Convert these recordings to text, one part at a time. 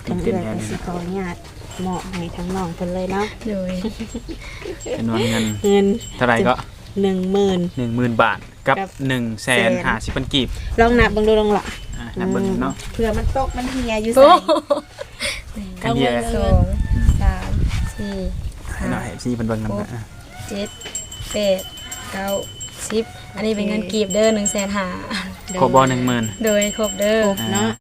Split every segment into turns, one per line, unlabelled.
ทั้งเดือนก็สิขออนุญาตเหมาะให้ทั้งน้องเพิ่นเลยเนาะ
โดย
จำนวนเงิน
เงิน
เท่าไหร่ก็
10,000
10,000 บาทกับ
กับ
150,000 กีบ
ลองนับเบิ่งดูลองล่ะ
นับเบิ่งเนาะ
เผื่อมันตกมันเหี่ยอยู่
โอ้
ไส
อันเดียว
สองสามสี่
ให้
ห้า
หน่อยสิเพิ่นเบิ่งนำนะ
เจ็ดแปดเก้า10อันนี้เป็นเงินกีบเด้อ150,000
ครบบ่10,000
โดยครบเด้อ
ครบเนาะ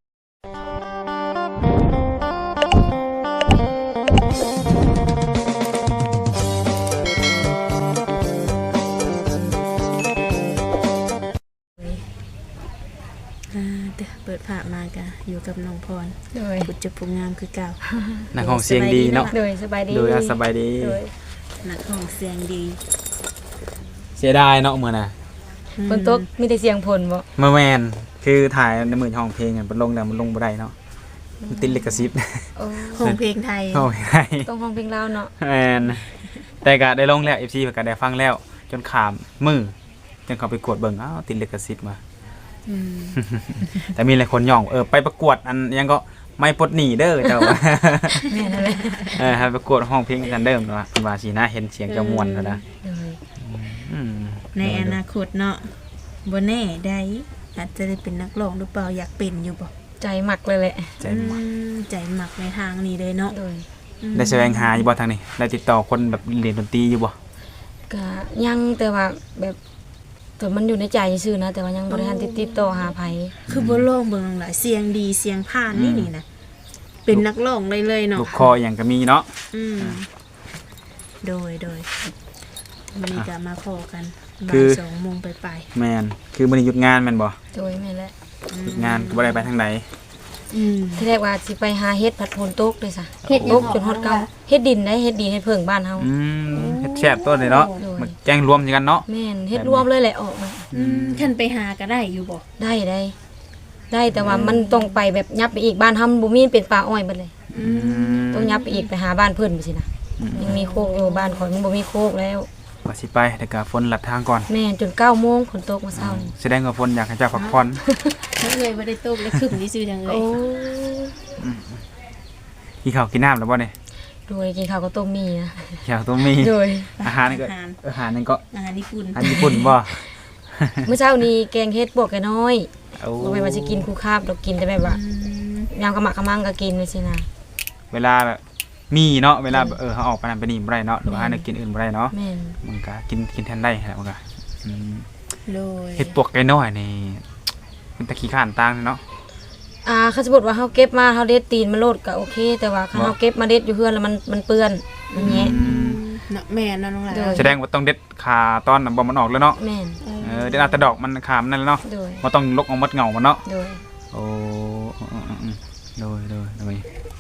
เปิดผ่ามากะอยู่กับน้องพร
โดย
บุตรจะผู้งามคือเก่า
นักห้องเสียงดีเนาะ
โดยสบายดี
โดยสบายดี
โดย
นักห้องเสียงดี
เสียดายเนาะมื้อน่ะ
ฝนตกมีแต่เสียงฝนบ่
เมื่อแม่นคือถ่ายในมื้อห้องเพลงอ่ะมันลงแล้วมันลงบ่ได้เนาะมันติดลิขสิทธิ์
โอ้
ห้องเพลงไทย
โอ้ยได้
ต้องห้องเพลงลาวเนาะ
แม่นแต่ก็ได้ลงแล้ว FC เพิ่นก็ได้ฟังแล้ว จนขามมือจนเขาไปกดเบิ่งอ้าวติดลิขสิทธิ์มา
อืม
แต่มีหลายคนย่องไปประกวดอันยังก็ไม่ปลดหนีเด้อเจ้า
แม่นั่นแหละ
ให้ประกวดห้องเพลงกันเดิมเนาะคุณว่าสินะเห็นเสียงจะม่วนแล้วนะ
โดย
อืม
ในอนาคตเนาะบ่แน่ได้อาจจะได้เป็นนักร้องหรือเปล่าอยากเป็นอยู่บ่
ใจหมักเลยแหละ
ใจม่วน
ใจหมักในทางนี้เลยเนาะ
โดย
ได้แสวงหาอยู่บ่ทางนี้ได้ติดต่อคนแบบเรียนดนตรีอยู่บ่
ก็ยังแต่ว่าแบบแต่มันอยู่ในใจซื่อนะแต่ว่ายังบ่ได้ทันติดต่อหาไผ
คือบ่ร้องเบิ่งหลายเสียงดีเสียงผ่านนี่นะเป็นนักร้องเลยเนาะ
ลูกคออย่างก็มีเนาะ
อืมโดยวันนี้ก็มาขอกัน
คื
บ่า
อ
ย2 โมงไป
แม่นคือมื้อนี้หยุดงานแม่นบ่
โดยแม่นแหละ
หยุดงานก็บ่ได้ไปทางใด
ที่แรกว่าสิไปหาเฮ็ดผัดโพนตกเลยซะ
เฮ็ดห
ต
ยัง
กจนฮอดเก่าเฮ็ดดินได้เฮ็ดดินเฮ็ดเพิ่งบ้านเฮา
เฮ็ดแซ่บตัวเลยเนาะ
โดย
มาแกงรวมกันเนาะ
แม่นเฮ็ดรวมเลยแหละออกมา
ท่านไปหาก็ได้อยู่บ่
ได้แต่ว่ามันต้องไปแบบยับไปอีกบ้านเฮามันบ่มีเป็นป่าอ้อยเบิดเลย ต้องยับไปอีกไปหาบ้านเพิ่นไปสินะยังมีโคกอยู่บ้านข่อยมันบ่มีโคกแล้ว
ว่าสิไปแต่ก็ฝนลัดทางก่อน
แม่นจน9โมงฝนตกมาเช้านี่
แสดงว่าฝนอยากให้เจ้าพักผ่อน
เลยบ่ได้ตกเลยคึมที่ซื่อจังเล
โอ้
ย
กินข้าวกินน้ำแล้วบ่เนี่ย
โดยกินข้าวก็ต้มมีนะ
อยากต้องมี
โดย
อาหารนี่ก็อาหารนี่ก็
อาหารญี่ปุ่น
อาหารญี่ปุ่นบ่
เมื่อเช้านี้แกงเฮ็ดบวกแกน้อย
เอา
บ่แม่นว่าสิกินคู่คาบดอกกินแต่แบบว่ายามกะหมักกะมังก็กินไปสินะ
เวลาแบบมีเนาะเวลาแบบเขาออกไปนั่นไปนี่บ่ได้เนาะหรือว่าหาแนวกินอื่นบ่ได้เนาะ
แม่น
มันก็กินแทนได้แหละมันก็อืม
โดย
เฮ็ดปวกไก่น้อยนี่มันตะขี้ข้านต่างเนาะ
คันสมมุติว่าเฮาเก็บมาเฮาเด็ดตีนมันโลดก็โอเค แต่ว่าคันเฮาเก็บมาเด็ดอยู่เฮือนแล้วมันเปื้อนมันแยะ
เนาะแม่นอนน้องหลา
โดย
แสดงว่าต้องเด็ดขาตอนน่ะบ่มันออกแล้วเนาะ
แม่น
เด็ดเอาแต่ดอกมันขามันนั่นแหละเนาะ
โดย
บ่ต้องลกเอาหมดเหงามันเนาะ
โดย
โอ้อืมโดย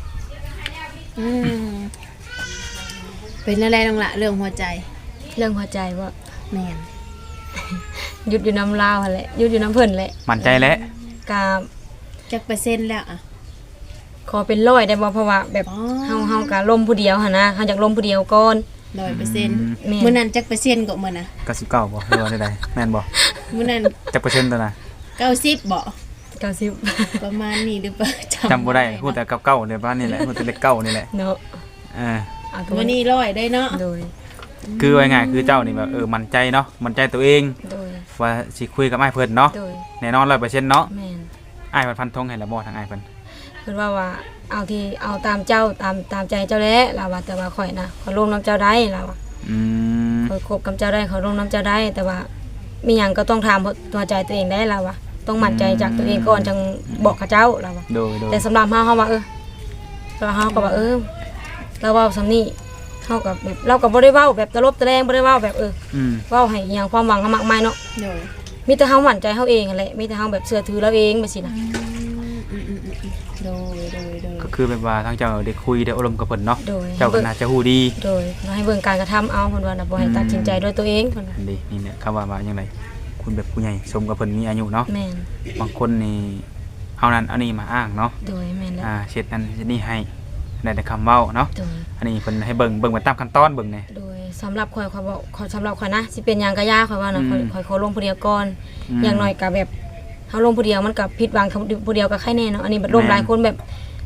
เป็นอะไรน้องละเรื่องหัวใจ
เรื่องหัวใจว่า
แม่น
หยุดอยู่น้ำลาวหั่นแหละหยุดอยู่น้ำเพิ่นแหละ
มั่นใจแล้ว
กา
จักเปอร์เซ็นต์แล้วอ่ะ
ขอเป็น100ได้บ่เพราะว่าแบบ
อ๋อ
เฮาก็ล้มผู้เดียวหั่นนะเฮาอยากล้มผู้เดียวก่อน
100%
แม่น
มื้อนั้นจักเปอร์เซ็นต์ก็มื้อน่ะ
99บ่หรือว่าใดๆแม่นบ่
มื้อนั้น
จักเปอร์เซ็นต์ตัวน่ะ
90บ่
90
ประมาณนี้หรือเปล่า
จำบ่ได้พูดแต่เก้าๆเนี่ยบ้านนี่แหละพูดแต่เลขเก้านี่แหละ
เนาะ
เออ
เอาตั
มื้อนี้100ได้เนาะ
โดย
คือว่าง่ายคือเจ้านี่แบบมั่นใจเนาะมั่นใจตัวเอง
โดย
ว่าสิคุยกับอ้ายเพิ่นเนาะ
โดย
แน่นอน 100%เนาะ
แม่น
อ้ายเพิ่นฟันธงให้แล้วบ่ทางอ้ายเพิ่น
เพิ่นว่าเอาตามเจ้าตามใจเจ้าแหละล่ะว่าแต่ว่าข่อยนะขอร่วมน้ำเจ้าได้ล่ะว่า
อืม
ข่อยคบกับเจ้าได้ขอร่วมน้ำเจ้าได้ แต่ว่ามีหยังก็ต้องถามตัวใจตัวเองได้ล่ะว่าต้องมั่นใจจากตัวเองก่อนจังบอกกับเจ้าล่ะว่า
โดย
แต่สำหรับเฮาว่าเราเฮาก็ว่าเราเว้าสำนี้เฮาก็แบบเราก็บ่ได้เว้าแบบตลบตะแลงบ่ได้เว้าแบบ
อืม
เว้าให้อหยังความหวังเฮามากมายเนาะ
โดย
มีแต่เฮามั่นใจเฮาเองนั่นแหละมีแต่เฮาแบบเชื่อถือเราเองไปสินะ
โดย
ก็คือแบบว่าทางเจ้าได้คุยได้อบรมกับเพิ่นเนาะ
โดย
เจ้าก็น่าจะฮู้ดี
โดยให้เบิ่งการกระทำเอาเพิ่นว่าน่ะบ่ให้ตัดสินใจด้วยตัวเองเพิ่นว่า
ดีนี่แหละคำว่าจังไดคุณแบบผู้ใหญ่สมกับเพิ่นมีอายุเนาะ
แม่น
บางคนนี่เอานั้นเอานี่มาอ้างเนาะ
โดยแม่นแล้ว
เช็ดนั้นเช็ดนี่ให้ได้แต่คำเว้าเนาะ
โดย
อันนี้เพิ่นให้เบิ่งไปตามขั้นตอนเบิ่งแหน่
โดยสำหรับข่อยบอกสำหรับข่อยนะสิเป็นหยังก็ยากข่อยว่านะข่อยขอลงผู้เดียวก่อนอย่างน้อยก็แบบเฮาลงผู้เดียวมันก็ผิดหวังผู้เดียวก็ใครแน่เนาะอันนี้บัดลมหลายคนแบบ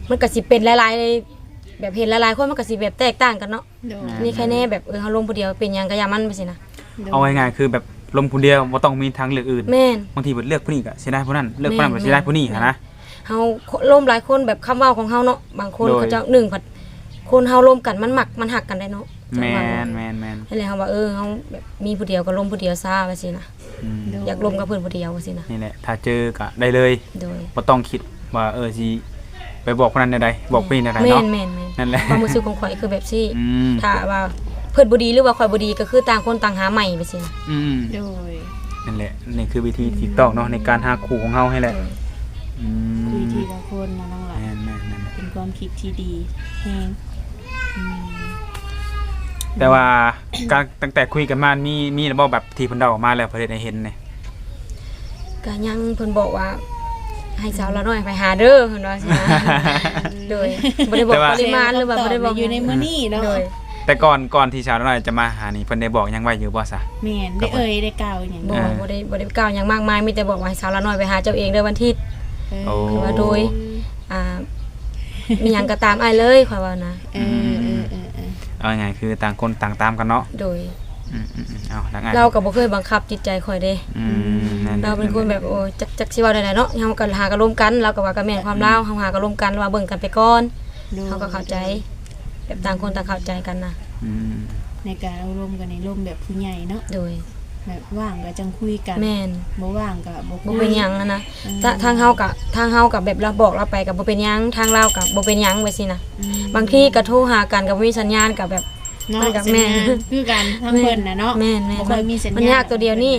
มันก็สิเป็นหลายๆแบบเห็นหลายๆคนมันก็สิแบบแตกต่างกันเนาะ
โดย
นี่แค่แน่แบบเฮาลงผู้เดียวเป็นหยังก็อย่ามันไปสินะ
เอาง่ายๆคือแบบลมผู้เดียวบ่ต้องมีทางเลือกอื่น
แม่น
บางทีเพิ่นเลือกผู้นี้ก็สิได้ผู้นั้นเลือกผู้นั้นก็สิได้ผู้นี้หันนะ
เฮาล้มหลายคนแบบคำเว้าของเฮาเนาะบางคน
โดย
เขาจะหนึ่งผัดคนเฮาล้มกันมันมันหักกันได้เนาะ
แม่น
นั่นแหละเฮาว่าเฮาแบบมีผู้เดียวก็ล้มผู้เดียวซะว่าสินะ
อืม
อยากล้มกับเพิ่นผู้เดียวว่าสินะ
นี่แหละถ้าเจอก็ได้เลย
โดย
บ่ต้องคิดว่าสิไปบอกคนนั้นใดๆบอกผู้นี้ใดๆ
แม่
เนาะ
นแม่น
นั่นแหละ
ความรู้สึกของข่อยคือแบบซี่
อืม
ถ้าว่าเพิ่นบ่ดีหรือว่าข่อยบ่ดีก็คือต่างคนต่างหาใหม่ไปสินะ
อืม
โดย
นั่นแหละนี่คือวิธีที่ถูกต้องเนาะในการหาคู่ของเฮาให้แหละอืม
คุยทีละคนนะน้องหลาน
แม่นๆนั่นแหละ
เป็นความคิดที่ดีแฮงอืม
แต่ว่าการตั้งแต่คุยกันมามีระบบแบบที่เพิ่นเดาออกมาแล้วเพิ่นได้เห็นเนี่ย
ก็ยังเพิ่นบอกว่า ให้สาวละน้อยไปหาเด้อเพิ่นว่าสินะโดยบ่ได้บอกปริมาณหรือว่าบ่ได้บอก
อยู่ในมื้อนี้เนาะ
โดย
แต่ก่อนที่ชาวน้อยจะมาหานี่เพิ่นได้บอกยังไว้อยู่บ่ซะ
แม่นได้เอ่ยได้กล่าวอย่าง
บ่
นี้
บ่ได้กล่าวหยังมากมายมีแต่บอกว่าให้สาวละน้อยไปหาเจ้าเองเด้อวันอาทิตย์
โอ้
คือว่าโดย อ่ามีหยังก็ตามอ้ายเลยข่อยว่านะ
เออ
เอาไงคือต่างคนต่างตามกันเนาะ
โดย
เอาดังไง
เราก็บ่เคยบังคับจิตใจข่อยเด้
นั่น
เราเป็นคนแบบโอ้จักสิเว้าได้เนาะเฮาก็หากันร่วมกันเราก็ว่าก็แม่นความลาวเฮาหากันร่วมกันว่าเบิ่งกันไปก่อนเฮาก็เข้าใจ แบบต่างคนต่างเข้าใจกันนะ
ในการเอารวมกันในร่มแบบผู้ใหญ่เนาะ
โดย
แบบว่างก็จังคุยกัน
แม่น
บ่ว่างก็บ่
บ่เป็นหยังนะทางเฮากับแบบเราบอกเราไปกับบ่เป็นหยังทางเรากับบ่เป็นหยังไปสินะบางทีก็โทรหากันก็บ่มีสัญญาณกับแบบ
เนาะ
มันกับ
สัญ
แม่
ญาณคือกันทั้งเพิ่นน่ะเนาะ
แม่น
บ่ค่อยมีสัญญาณ
มันยากตัวเดียวนี่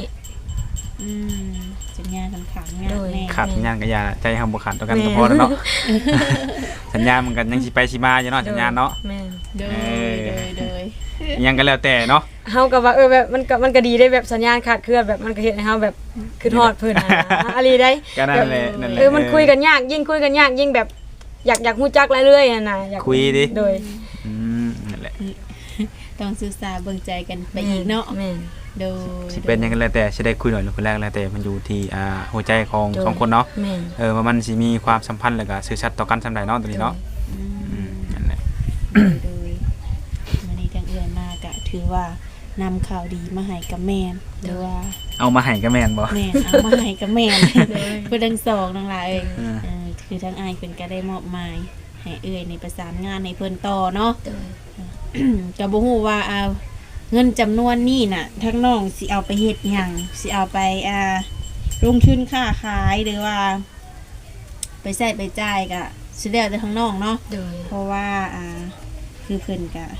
สัญญาณค่อนข้างยากแน่
ขาดสัญญาณก็อย่าใจเฮาบ่ขาดต่อกันก็พอแล้วเนาะสัญญาณมันก็ยังสิไปสิมาอยู่เนาะสัญญาณเนาะ
แม่น
โดย
ยังก็แล้วแต่เนาะ
เฮาก็ว่าแบบมันก็ดีได้แบบสัญญาณขาดเคลื่อนแบบมันก็เฮ็ดให้เฮาแบบคือฮอดเพิ่นนะอะลีได้
ก็นั่นแหละนั่นแหละ
มันคุยกันยากยิ่งคุยกันยากยิ่งแบบอยากฮู้จักเรื่อยๆน่ะอยาก
คุยดิ
โดย
นั่นแหละ
ต้องศึกษาเบิ่งใจกันไปอีกเนาะ
แม่น
โดย
สิเป็นยังไงแล้วแต่สิได้คุยหน่อยหรือคนแรกแล้วแต่มันอยู่ที่หัวใจของสองคนเนาะ
แม่น
ว่ามันสิมีความสัมพันธ์แล้วก็สื่อชัดต่อกันสำใดเนาะตัวนี้เนาะนั่นแหละ
โดยวันนี้ทางเอื้อยมากะถือว่านำข่าวดีมาให้กับแม่นหรือว่า
เอามาให้ก็แม่นบ่
แม่นเอามาให้กับแม่นเพื่อทั้งสองนั่นล่ะเอ้ยคือทั้งอายเพิ่นก็ได้มอบหมายให้เอื้อยในประสานงานในเพิ่นต่อเนาะ
โดย
ก็บ่ฮู้ว่าเงินจำนวนนี้น่ะทั้งน้องสิเอาไปเฮ็ดหยังสิเอาไปลงทุนค้าขายหรือว่า ไปใช้ไปจ่ายก็สิแล้วแต่ทั้งน้องเนาะ
โดย
เพราะว่าคือเพิ่นก็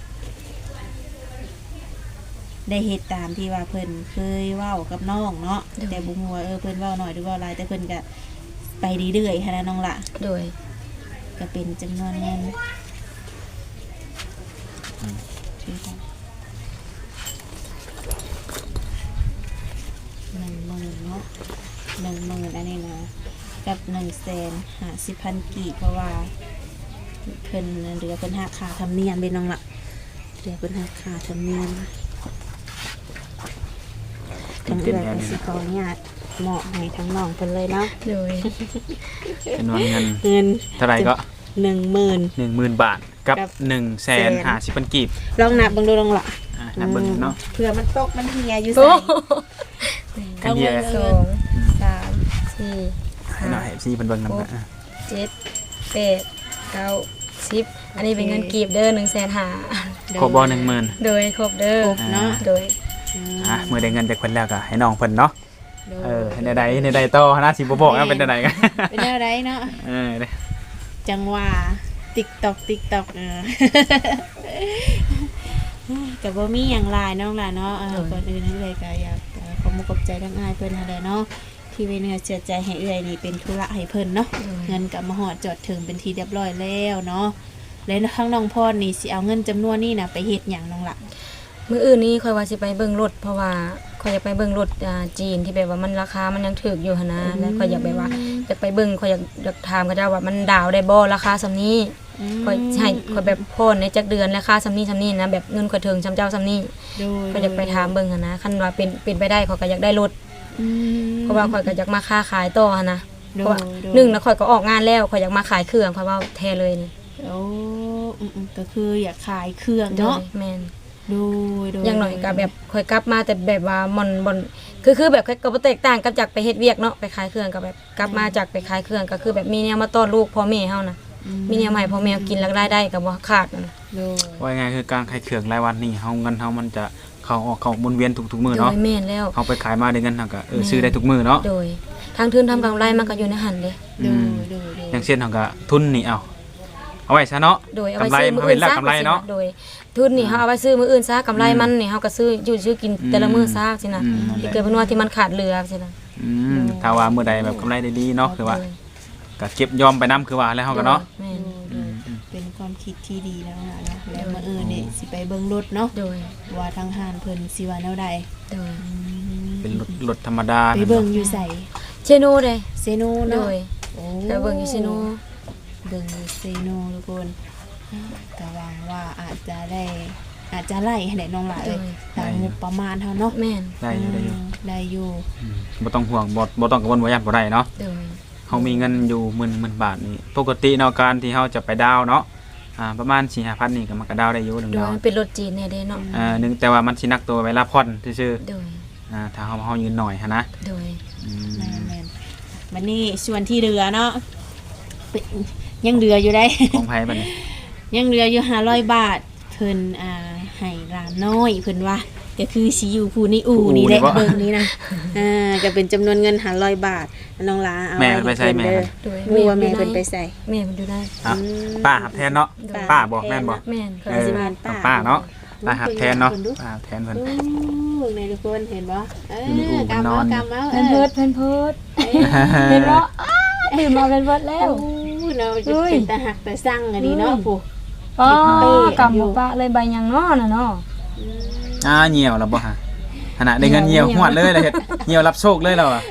ได้เฮ็ดตามที่ว่าเพิ่นเคยเว้ากับน้องเนาะแต่บ่ฮู้ว่าเพิ่นเว้าน้อยหรือเว้าหลายแต่เพิ่นก็ไปเรื่อยๆหั้นนะน้องล่ะ
โดย
ก็เป็นจำนวนเงินถือกัน10,000เนาะ10,000อันนี้นะกับ150,000กีบเพราะว่าเพิ่นเหลือเพิ่นหักค่าธรรมเนียมไปน้องละเหลือเพิ่นหักค่าธรรมเนียมทั้งเอื้อยก็สิขออนุญาตเหมาะให้ทั้งน้องเพิ่นเลยเนาะ
โดย
จำนวนเงิน
เงิน
เท่าไหร่ก็
10,000
10,000 บาทกับ
กับ
150,000กีบ
ลองนับเบิ่งดูลองละ
นับเบิ่งเนาะ
เผื่อมันตกมันเหี่ยอยู่
โอ้
ใส่
กันเดียว
สองสามสี่
ให้หน่อยให้ซีเพิ่นเบิ่งนำนะ
7 8 9 10อันนี้เป็นเงินกีบเด้อ150,000
ครบบ่10,000
โดยครบเด้อ
ครบเนาะ
โดย
เมื่อได้เงินจากเพิ่นแล้วก็ให้น้องเพิ่นเนาะ
โดย
ในใดต่อนะสิบ่บอกนะเป็นใดกัน
เป็นอะไรเนาะ
เด้
จังหว่าTikTok กับบ่มีหยังหลายน้องล่ะเนาะก่อนอื่นนั่นเลยก็อยากขอมุกขอบใจทั้งอายเพิ่นนั่นแหละเนาะที่เว้นเชื่อใจให้เอื้อยนี่เป็นธุระให้เพิ่นเนาะเงินก็มาฮอดจอดถึงเป็นที่เรียบร้อยแล้วเนาะแล้วข้างน้องพรนี่สิเอาเงินจำนวนนี้น่ะไปเฮ็ดหยังน้องล่ะ
มื้ออื่นนี้ค่อยว่าสิไปเบิ่งรถเพราะว่าค่อยอยากไปเบิ่งรถจีนที่แบบว่ามันราคามันยังถูกอยู่หั่นนะแล้วค่อยอยากแบบว่าอยากไปเบิ่งค่อยอยากถามเขาเจ้าว่ามันดาวได้บ่ราคาส่ำนี้ค่อยให้ค่อยแบบโพนในจักเดือนราคาส่ำนี้นะแบบเงินค่อยถึงส่ำเจ้าส่ำนี้
โดย
ค่อยอยากไปถามเบิ่งหั่นนะคันว่าเป็นไปได้ค่อยก็อยากได้รถเพราะว่าค่อยก็อยากมาค้าขายต่อหั่นนะเพราะว่าหนึ่งแล้วข่อยก็ออกงานแล้วข่อยอยากมาขายเครื่องข่อยว่าแท้เลยนี่
โอ้ก็คืออยากขายเครื่อง
โด
เนาะ
ยแม่น
ดูดู
อย่างหน่อยก็แบบข่อยกลับมาแต่แบบว่ามันบ่คือแบบก็บ่แตกต่างกับจากไปเฮ็ดเวียกเนาะไปขายเครื่องก็แบบกลับมาจากไปขายเครื่องก็คือแบบมีแนวมาต้อนลูกพ่อแม่เฮานะมีแนวใหม่พ่อแม่กินแล้วรายได้ก็บ่ขาดนั่นน่ะ
ดู
ว่าไงคือการขายเครื่องรายวันนี่เฮาเงินเฮามันจะเข้าออกเข้าหมุนเวียนทุกๆมื้อ
โด
เนาะ
ยแม่นแล้ว
เฮาไปขายมาได้เงินเฮาก็ซื้อได้ทุกมื้อเนาะ
โดยทางทุนทำกำไรมันก็อยู่ในหันเด้
ดูดู
อย่างเช่นเฮาก็ทุนนี่เอาไว้ซะเนาะ
โดยเอา
กำ
ไว้
ไร
ซื้อ
มัน
มื้อ
ก็เป็
อื่
น
น
แล้ว
ซะ
กำไรเนาะ
โดยทุนนี่เฮาเอาไว้ซื้อมื้ออื่นซะกำไรมันนี่เฮาก็ซื้อกินแต่ละมื้อซะสินะ
นั่นแห
ที่
ละ
เกิดเป็นว่าที่มันขาดเหลือสินะ
ถ้าว่ามื้อใดแบบกำไรได้ดีเนาะคือว่าก็เก็บยอมไปนํคือว่าแล้วเฮาก็เนาะ
แม่น
ดูเป็นความคิดที่ดีแล้วนะเนาะแล้วมานี่สิไปเบิ่งรถเนาะ
โดย
ว่าทางห้านเพิ่นสิว่าแนวใด
โดย
เป็นรถธรรมดา
ไปเบิ่งอยู่ใส่
เชโนเด้
เซโน
โด
เนาะ
ย
โอ้
ไปเบิ่งอยู่เชโน
เบิ่งอยู่เซโนทุกคนก็หวังว่าอาจจะไล่ให้ได้น้องหลายเลยตามงบประมาณเท่าเนาะ
แม่น
ได้อยู่ได้อยู่
ได้อยู่
บ่ต้องห่วงบ่ต้องกังวลว่าย่านบ่ได้เนาะ
โดย
เฮามีเงินอยู่10,000 บาทนี่ปกติเนาะการที่เฮาจะไปดาวเนาะประมาณ 4-5,000นี่ก็มันก็ดาวได้อยู่1
โดย
ดาว
มันเป็นรถจีนแน่เด้เนาะ
นึงแต่ว่ามันสินักตัวเวลาผ่อนซื่อ
โดย
ๆถ้าเฮายืนหน่อยหันนะ
โดย
แม่นๆวันนี้ส่วนที่เหลือเนาะเป็นยังเหลืออยู่ได้
ของไผบัดนี้
ยังเหลืออยู่500 บาทเพิ่นให้หลานน้อยเพิ่นว่าก็คือสิอยู่ผู้นี่อู่นี่แหละเบิ่งนี้นะก็เป็นจำนวนเงิน500 บาทน้องหลาเอา
แม่ไปใช้แม่
เด้อ
โดย
รู้ว่าแม่เพิ่นไปใส่
แม่มันอยู่ได้
ป้าหับแทนเนาะป้าบอกแม่นบ่
แม่น
เออ
ต้องป้าเนาะป้าหับแทนเนาะป้าหับแทนเพิ่น
โอ้เบิ่งในทุกคนเห็นบ่
อยู่ในอู่มันนอน
กำเอา
เพิ่นเพิดเห็นบ่ดื่มมาเป็นเพิดแล้ว
โอ้เนาะจะเป็นตาหักตาสั่งอันนี้เนาะผู้
อ๋อกำบ่ปะเลยใบยังน้อน่ะเนาะ
เหี่ยวแล้วบ่ฮะขณะได้เงินเหี่ยวหวดเลยเฮ็ดเหี่ยวรับโชคเลยแล้วอ่ะ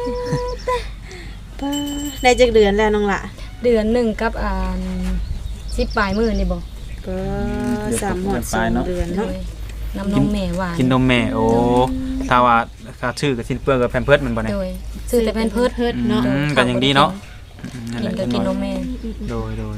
ได้จักเดือนแล้วน้องละ
เดือนหนึงกับ10ปลายมื้อนี่บ่
ก็3 2 เดือน
โด
เนาะ
ยน้ำนมแม่หวาน
กินนมแม่โอ้ถ้าว่าค่าชื่อกับสิ้นเปลืองกับแพมเพิร์สมันบ่เนี่ย
โดยซื้อแต่เป็นเพิด
เนาะ
ก็ยังดีเนาะนั่นแห
กิ
ละ
นก็กินนมแม่
โดย
ดู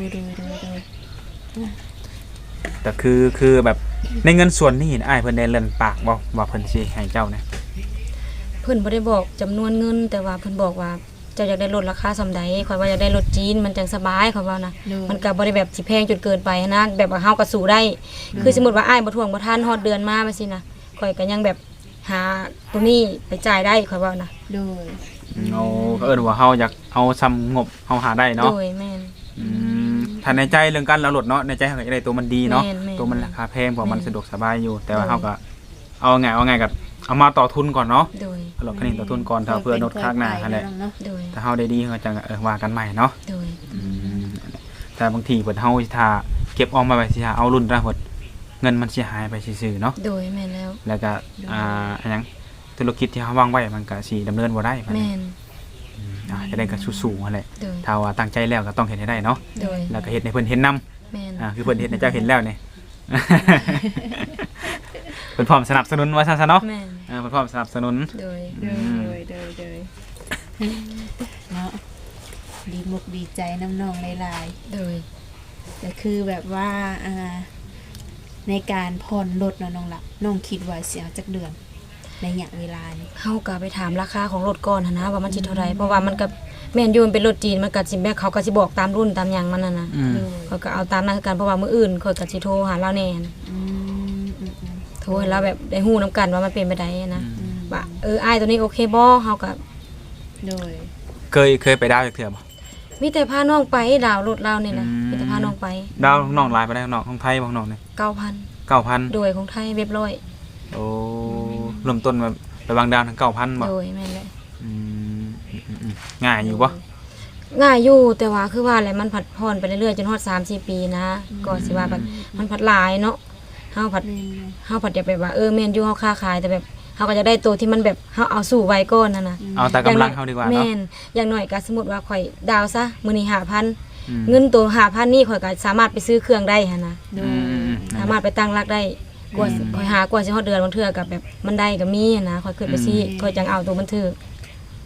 แต่คือแบบในเงินส่วนนี้อ้ายเพิ่นได้เล่นปากบ่ว่าเพิ่นสิให้เจ้านะ
เพิ่นบ่ได้บอกจำนวนเงิน แต่ว่าเพิ่นบอกว่าเจ้าอยากได้รถราคาส่ำใดข่อยว่าอยากได้รถจีนมันจังสบายข่อยว่านะมันก็บ่ได้แบบสิแพงจนเกินไปนะแบบว่าเฮาก็สู้ได้ คือสมมุติว่าอ้ายบ่ทวงบ่ทันฮอดเดือนมาว่าซี่นะข่อยก็ยังแบบหาตัวนี้ไปจ่ายได้ข่อยว่านะ
ดู
โอ้ก็เอิ้นว่าเฮาอยากเอาซ้ำงบเฮาหาได้เนาะ
โดยแม่น
ถ้าในใจเรื่องการเอารถเนาะในใจเฮาก็อยากได้ตัวมันดีเนาะ
แม่น
ตัวมันราคาแพงเพราะมัน
แม่น
สะดวกสบายอยู่ แต่ว่าเฮาก็เอาไงกับเอามาต่อทุนก่อนเนาะ
โดย
เอารถคันนี้ต่อทุนก่อนถ้าเพื่อนดข้างหน้าหั่นแหละ
โดย
ถ้าเฮาได้ดีก็จะว่ากันใหม่เนาะ
โดย
แต่บางทีเพิ่นเฮาสิถ้าเก็บออมมาไว้สิหาเอารุ่นละเพิ่นเงินมันสิหายไปซื่อๆเนาะ
โดยแม่นแล้ว
แล้วก็อันหยังธุรกิจที่เฮาวางไว้มันก็สิดำเนินบ่ได้บัด
แม่
นี้
น
จะได้ก็สู้ๆนั่นแหละ
โดย
ถ้าว่าตั้งใจแล้วก็ต้องเฮ็ดให้ได้เนาะ
โดย
แล้วก็เฮ็ดให้เพิ่นเห็นนํ
แม่น
คือเพิ่นเฮ็ดให้เจ้าเห็นแล้วนี่ เพิ่นพร้อมสนับสนุนว่าซั่นซะเนาะ
แม่น
เพิ่นพร้อมสนับสนุน
โดย
เนาะดีมุกดีใจน้ำนองหลาย
โดย
ๆแต่คือแบบว่าในการผ่อนรถเนาะน้องหลับน้องคิดว่าสิเอาจักเดือนในระยะเวลานี้
เฮาก็ไปถามราคาของรถก่อนหันนะว่ามันสิเท่าไหร่เพราะว่ามันก็แม่นอยู่มันเป็นรถจีนมันก็สิแม่เขาก็สิบอกตามรุ่นตามหยังมันน่ะนะ
อืม
เขาก็เอาตามนั้นคือกันเพราะว่ามื้ออื่นเขาก็สิโทรหาเราแน่น
อืม
โทรให้เราแบบได้ฮู้นํกันว่ามันเป็นไปได้นะว่าอ้ายตัวนี้โอเคบ่เฮาก็
โดย
เคยไปดาวจักเทื่อบ่
มีแต่พาน้องไปดาวน์รถเรานี่นะ
อืม
มีแต่พาน้องไป
ดาวน้องหลายไปได้น้องของไทยบ่น้องนี่
9,000
9,000
โดยของไทยเรียบร้อย
โอ้เริ่มต้นแบบไปวางดาวทั้ง 9,000บ่
โดยแม่นแหละ
อืมง่ายอยู่บ่
ง่ายอยู่แต่ว่าคือว่าแหละมันผัดผ่อนไปเรื่อยๆจนฮอด3-4 ปีนะก็สิว่าแบบมันผัดหลายเนาะเฮาผัด เฮาผัดอยากแบบว่าแม่นอยู่เฮาค้าขายแต่แบบเฮาก็จะได้ตัวที่มันแบบเฮาเอาสู่ไว้ก่อนนั่นน่ะ
เอาแต่กำลังเฮาดีกว่าเนาะ
แม่นอย่างน้อยก็สมมุติว่าข่อยดาวซะมื้อนี้
อืม
5,000เงินตัว5,000นี่ข่อยก็สามารถไปซื้อเครื่องได้หั่นนะ
โด
อื
ย
ม
สามารถไปตั้งรักได้กว่าข่อยหากว่าสิฮอดเดือนบางเทื่อก็แบบมันได้ก็มีหั่นนะข่อยขึ้นไปซี่ข่อยจังเอาตัวมันถือ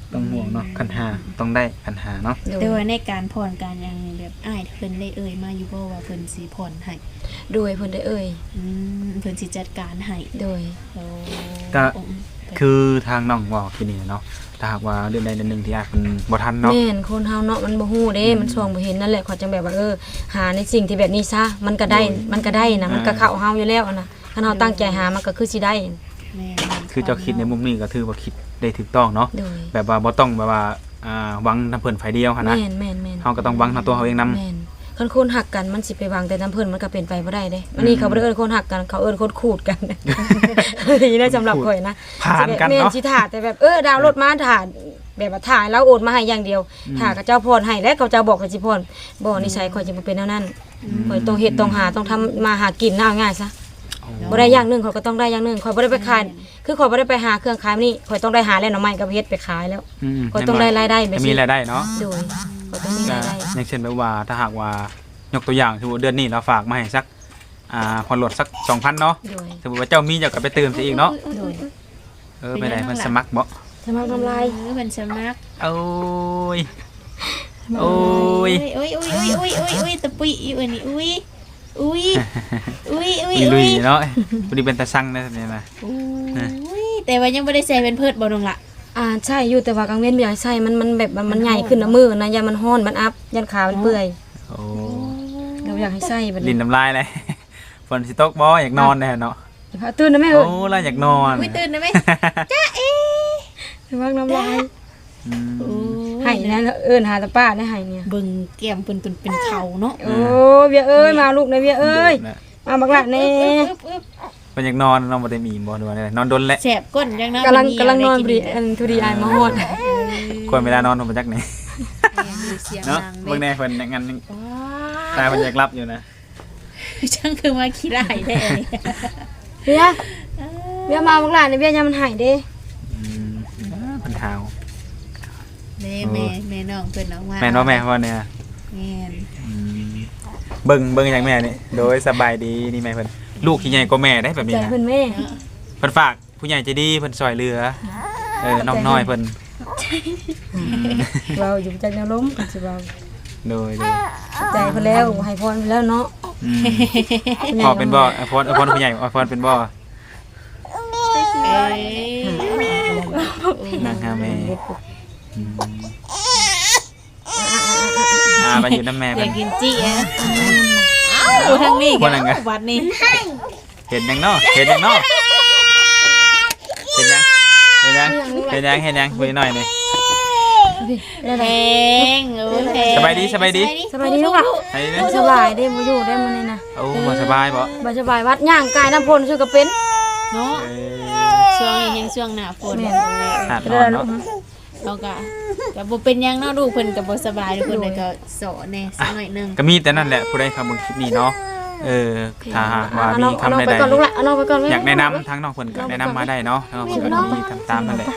ต้องห่วงเนาะคันหาต้องได้คันหาเนาะ
โดย
แต่ว่าในการผ่อนการหยังแบบอ้ายเพิ่นได้เอ่ยมาอยู่บ่ว่าเพิ่นสิผ่อนให้
โดยเพิ่นได้เอ่ย
เพิ่นสิจัดการให้
โดย
โอ้
ก็คือทางน้องบอกที่นี่เนาะถ้าหากว่าเดือนใดเดือนหนึงที่อาจเพิ่นบ่ทันเนาะ
แม่นคนเฮาเนาะมันบ่ฮู้เด้มันส่องบ่เห็นนั่นแหละเขาจังแบบว่าหาในสิ่งที่แบบนี้ซะมันก็ได้นะมันก็เข้าเฮาอยู่แล้วอะนะคันเฮาตั้งใจหามันก็คือสิได้
แม่
คือเจ้าคิดในมุมนี้ก็ถือว่าคิดได้ถูกต้องเนาะ
โดย
แบบว่าบ่ต้องแบบว่าหวังนำเพิ่นฝ่ายเดียวหั่นนะ
แม่นแม่นแม่น
เฮาก็ต้องหวังนำตัวเฮาเองนำ
แม่นคันคนหักกันมันสิไปวางแต่น้ำเพิ่นมันก็เป็นไปบ่ได้เด้อันนี้เขาบ่ได้เอิ้นคนหักกันเขาเอิ้นคนขูดกันนี่นะสำหรับข่อยนะ
ผ่านกัน
แม่น
เนาะ
สิถ่าแต่แบบดาวน์โหลดมาถ่าแบบว่าถ่ายแล้วโอนมาให้อย่างเดียวถ่ากับเจ้าพรให้และเขาเจ้าบอกกับสิพรบ่นิสัยข่อยจะบ่เป็นแนวนั้นข่อยต้องเฮ็ดต้องหาต้องทำมาหากินเอาง่ายซะบ่ได้อย่างหนึงข่อยก็ต้องได้อย่างหนึงข่อยบ่ได้ไปขายคือข่อยบ่ได้ไปหาเครื่องขายนี่ข่อยต้องได้หาแล้วหน่อไม้กับเฮ็ดไปขายแล้วข่อยต้องได้รายได้แบบ
จะ
นี้
มีรายได้เนาะ
โดยข่อยต้องมี
ก็
รายได้
อย่างเช่นแบบว่าถ้าหากว่ายกตัวอย่างสมมุติเดือนนี้เราฝากมาให้สักผ่อนรถสัก 2,000 เนาะ
โดย
สมมุติว่าเจ้ามีเจ้าก็ไปเติมซะอีกเนาะ
โดย
ไปไหนมันสมัครบ่
สมัครทำลาย
เพิ่นสมัคร
โอ้ยโอ้ย
โอ้ยตะปุยอีอันนี้อุ้ย
มีลุยเนาะบ่ได้เป็นตาสั่งนะเนี่ยนะ
อุ้ยแต่ว่ายังบ่ได้ใส่เป็นเพิดบ่น้องละ
ใช่อยู่แต่ว่ากลางเว้นบ่อยากใส่มันแบบมันใหญ่ขึ้นนะมือนะยันมันฮ้อนมันอัพยันขามันเปื่อย
โอ้
เราอยากให้ใส่แบบ
ลิ้
นี้
นน้ำลายเลยฝนสิตกบ่อยากนอนแน่เนาะ
พาตื่นนะแม่
โอ้ล่ะอยากนอน
อุ้ยตื่นได้ไหม
สมัครน้ำลาย
อืม
ให้นะหาตาป้าได้ให้เนี่ย
เบิ่งแก้มเพิ่นเป็นเขาเนาะ
โอ้เวียเอ้ยมาลูกนะเวียเอ้ยมาบักละแน่
เพิ่นอยากนอนบ่ได้มีบ่ดูว่าได้นอนดนแหละ
แสบก้นจังเนาะ
กำลังนอนพอดีอันทุดีอายมาฮอด
ควรเวลานอนบ่จักไหน
เสียง
เนาะ
ดัง
เบิ่ง
เด้
แน่เพิ่นงั้นตาเพิ่นอยากรับอยู่นะ
ช่างคือมาขี้ร้ายแท้
เวียมาบักละเนี่ยเวียยามมันหายเด้
อืมเพิ่นหาว
แม่น้องเพิ่นออกมา
แม่นบ่แม่ว่าเนี่ย
แม่น
อืมเบิ่งอย่างแม่นี่โดยสบายดีนี่แม่เพิ่นลูกที่ใหญ่กว่าแม่ได้แบบนี้
ใจ
นะ
เพิ่นแม่
เพิ่นฝากผู้ใหญ่ใจดีเพิ่นช่วยเหลือน้องน้อยเพิ่น
เราอยู่ใจแนวล้มกันสิเรา
โดย
ใจเพิ่นแล้วให้พรเพิ่นแล้วเนาะ
พอเป็นบ่พรผู้ใหญ่พรเป็นบ่
เอ้ย
นางหาแม่ไปอยู่น้ำแม่
อ
เพิ่
ยาน กกินจี้อ่ะเอ้าทางนี้กันวัดนี้
เห็นยังเนาะเห็นยังเนาะเห็นยังเห็นยังเห็นยังเห็นยังคุยหน่อยนี่
แพงโอ้แพง
สบายดี
สบายดีลูกอ่ะ
ไอ้นี่
สบายเด้บ่อยู่ได้มื้อนี้นะ
โอ้บ่สบายบ่
บ่สบายวัดย่างกายน้ำพลชื่อก็เป็น
เนาะช่วงนี้ยังช่วงหน้าฝน
หาดนอนเนาะ
เขาก็บ่เป็นหยังเนาะลูกเพิ่นก็บ่สบายทุกคนเลยก็สอนแน่สักหน่อยนึง
ก็มีแต่นั่นแหละผู้ใดเข้ามาคลิปนี้เนาะถ้าหากว่ามีคำใด
ไปก่อนลูกละเอาน้องไปก่อน
ๆอยากแนะนำทั้งน้องเพิ่นก็แนะนำมาได้เนาะน้องเพิ่นก็มีทำตามนั่นแหละ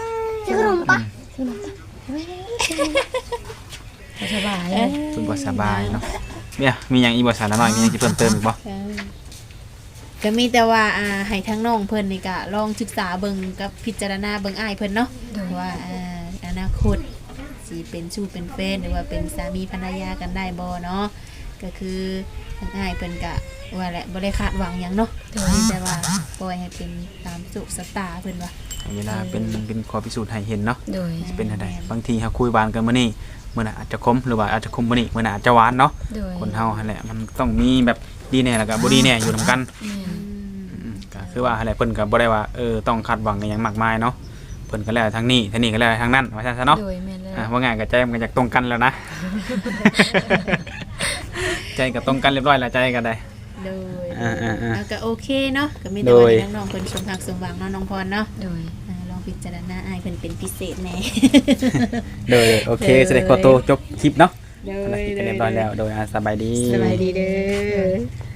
สบาย
เพิ่นบ่สบายเนาะเนี่ยมีหยังอีกบ่สารน้อยมีหยังสิเพิ่มเติมอีกบ่
ก็มีแต่ว่าให้ทั้งน้องเพิ่นนี่ก็ลองศึกษาเบิ่งกับพิจารณาเบิ่งอ้ายเพิ่นเนาะว่าอนาคตสิเป็นชู้เป็นแฟนหรือว่าเป็นสามีภรรยากันได้บ่เนาะก็คือทางอ้ายเพิ่นก็ว่าแหละบ่ได้คาดหวังหยังเนาะแต่ว่าปล่อยให้เป็นตามสุขสตาเพิ่นว่า
เวลาเป็นข้อพิสูจน์ให้เห็นเนาะ
โดย
สิเป็นอะไรบางทีเฮาคุยหวานกันมื้อนี้มื้อหน้าอาจจะคมหรือว่าอาจจะคมมื้อนี้มื้อหน้าอาจจะหวานเนาะ
โดย
คนเฮาหั่นแหละมันต้องมีแบบดีแน่แล้วก็บ่ดีแน่อยู่นํกันก็คือว่าหั่นแหละเพิ่นก็บ่ได้ว่าต้องคาดหวังอหยังมากมายเนาะเพิ่นก็แล้วทางนี้ทางนี้ก็แล้วทางนั้นว่าซั่นซะเนาะ
โดยแม่นเลย
ว่าง่ายก็ใจมันก็อยากตรงกันแล้วนะ ใจก็ตรงกันเรียบร้อยแล้วใจก็ได้
โดย
ๆๆ
แล้วก็โอเคเนาะก็มีแต่ว่าให้น้องๆเพิ่นสมภักสมหวังเนาะน้องพรเนาะ
โดย
ลองพิจารณาอ้ายเพิ่นเป็นพิเศษแน่
โดยโอเคแสดงขอตัวจบคลิปเนาะ
โด
ภารกิจก็เรียบร้อยแล้วโดยสบายดี
สบายดีเด้อ